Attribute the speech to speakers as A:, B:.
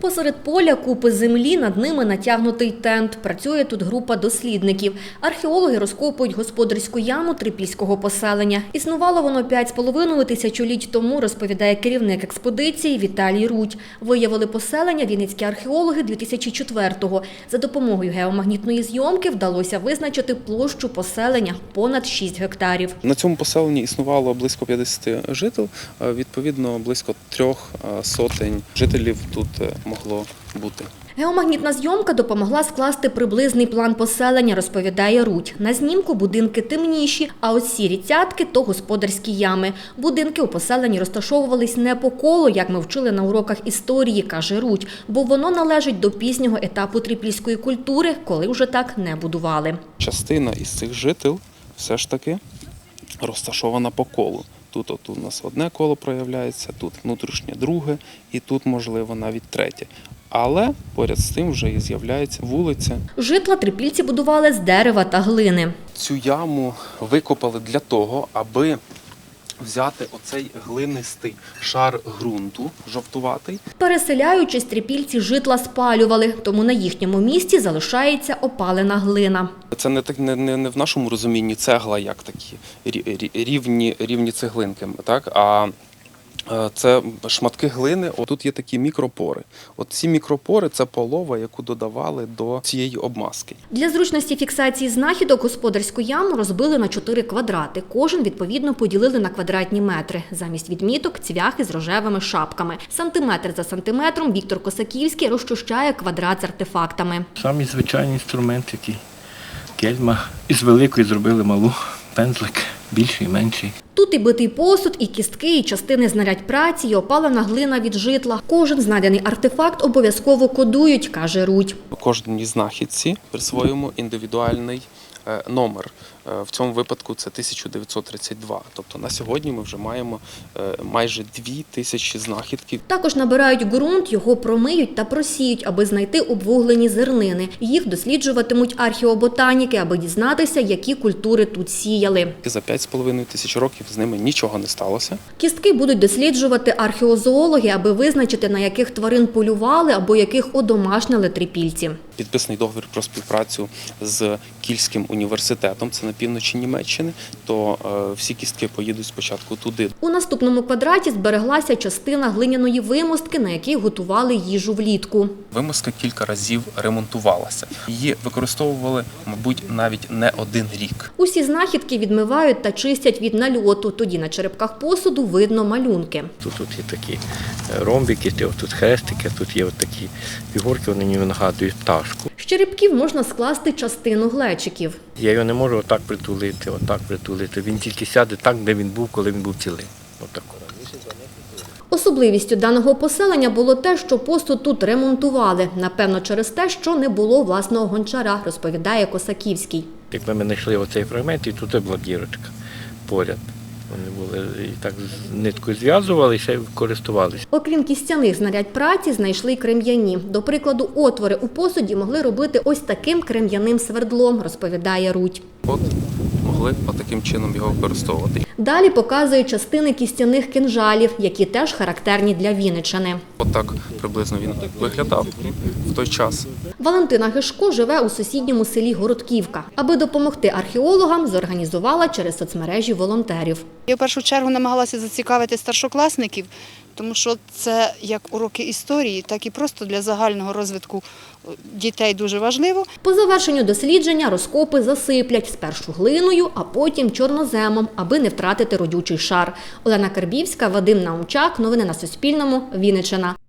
A: Посеред поля купи землі, над ними натягнутий тент. Працює тут група дослідників. Археологи розкопують господарську яму трипільського поселення. Існувало воно 5,5 тисячоліть тому, розповідає керівник експедиції Віталій Рудь. Виявили поселення вінницькі археологи 2004-го. За допомогою геомагнітної зйомки вдалося визначити площу поселення – понад 6 гектарів.
B: На цьому поселенні існувало близько 50 жителів, відповідно близько 300 жителів тут могло бути.
A: Геомагнітна зйомка допомогла скласти приблизний план поселення, розповідає Рудь. На знімку будинки темніші, а ось сірі цятки – то господарські ями. Будинки у поселенні розташовувались не по колу, як ми вчили на уроках історії, каже Рудь, бо воно належить до пізнього етапу трипільської культури, коли вже так не будували.
B: Частина із цих жителів все ж таки розташована по колу. Тут у нас одне коло проявляється, тут внутрішнє друге і тут, можливо, навіть третє. Але поряд з тим вже і з'являється вулиця.
A: Житла трипільці будували з дерева та глини.
B: Цю яму викопали для того, аби взяти оцей глинистий шар ґрунту, жовтуватий.
A: Переселяючись, трипільці житла спалювали, тому на їхньому місці залишається опалена глина.
B: Це не в нашому розумінні цегла, як такі рівні цеглинки, так? А це шматки глини. Тут є такі мікропори. От ці мікропори – це полова, яку додавали до цієї обмазки.
A: Для зручності фіксації знахідок господарську яму розбили на 4 квадрати. Кожен, відповідно, поділили на квадратні метри. Замість відміток – цвяхи з рожевими шапками. Сантиметр за сантиметром Віктор Косаківський розчищає квадрат з артефактами.
C: Самий звичайний інструмент, який кельма. Із великої зробили малу, пензлик, більший, менший.
A: Тут і битий посуд, і кістки, і частини знарядь праці, і опалена глина від житла. Кожен знайдений артефакт обов'язково кодують, каже Рудь.
B: Кожній знахідці присвоюємо індивідуальний номер. В цьому випадку це 1932. Тобто на сьогодні ми вже маємо майже 2000 знахідків.
A: Також набирають ґрунт, його промиють та просіють, аби знайти обвуглені зернини. Їх досліджуватимуть археоботаніки, аби дізнатися, які культури тут сіяли.
B: За 5,5 тисяч років з ними нічого не сталося.
A: Кістки будуть досліджувати археозоологи, аби визначити, на яких тварин полювали або яких одомашнили трипільці.
B: Підписаний договір про співпрацю з Кільським університетом, це на півночі Німеччини, то всі кістки поїдуть спочатку туди.
A: У наступному квадраті збереглася частина глиняної вимостки, на якій готували їжу влітку.
B: Вимостка кілька разів ремонтувалася. Її використовували, мабуть, навіть не один рік.
A: Усі знахідки відмивають та чистять від нальоту. Тоді на черепках посуду видно малюнки.
C: Тут є такі ромбики, тут хрестики, тут є такі фігурки, вони ніби нагадують пташку.
A: З черепків можна скласти частину глечиків.
C: Я його не можу отак притулити. Він тільки сяде так, де він був, коли він був цілий. Отако.
A: Особливістю даного поселення було те, що посуд тут ремонтували. Напевно, через те, що не було власного гончара, розповідає Косаківський.
C: Якби ми знайшли оцей фрагмент, і тут була дірочка поряд. Вони були і так з ниткою зв'язували і ще користувалися.
A: Окрім кістяних знарядь праці, знайшли й крем'яні. До прикладу, отвори у посуді могли робити ось таким крем'яним свердлом, розповідає Рудь.
B: От могли таким чином його використовувати.
A: Далі показують частини кістяних кинжалів, які теж характерні для Вінниччини.
B: Отак приблизно він виглядав в той час.
A: Валентина Гишко живе у сусідньому селі Городківка. Аби допомогти археологам, зорганізувала через соцмережі волонтерів.
D: Я в першу чергу намагалася зацікавити старшокласників, тому що це як уроки історії, так і просто для загального розвитку дітей дуже важливо.
A: По завершенню дослідження розкопи засиплять спершу глиною, а потім чорноземом, аби не втратити родючий шар. Олена Карбівська, Вадим Наумчак. Новини на Суспільному. Вінниччина.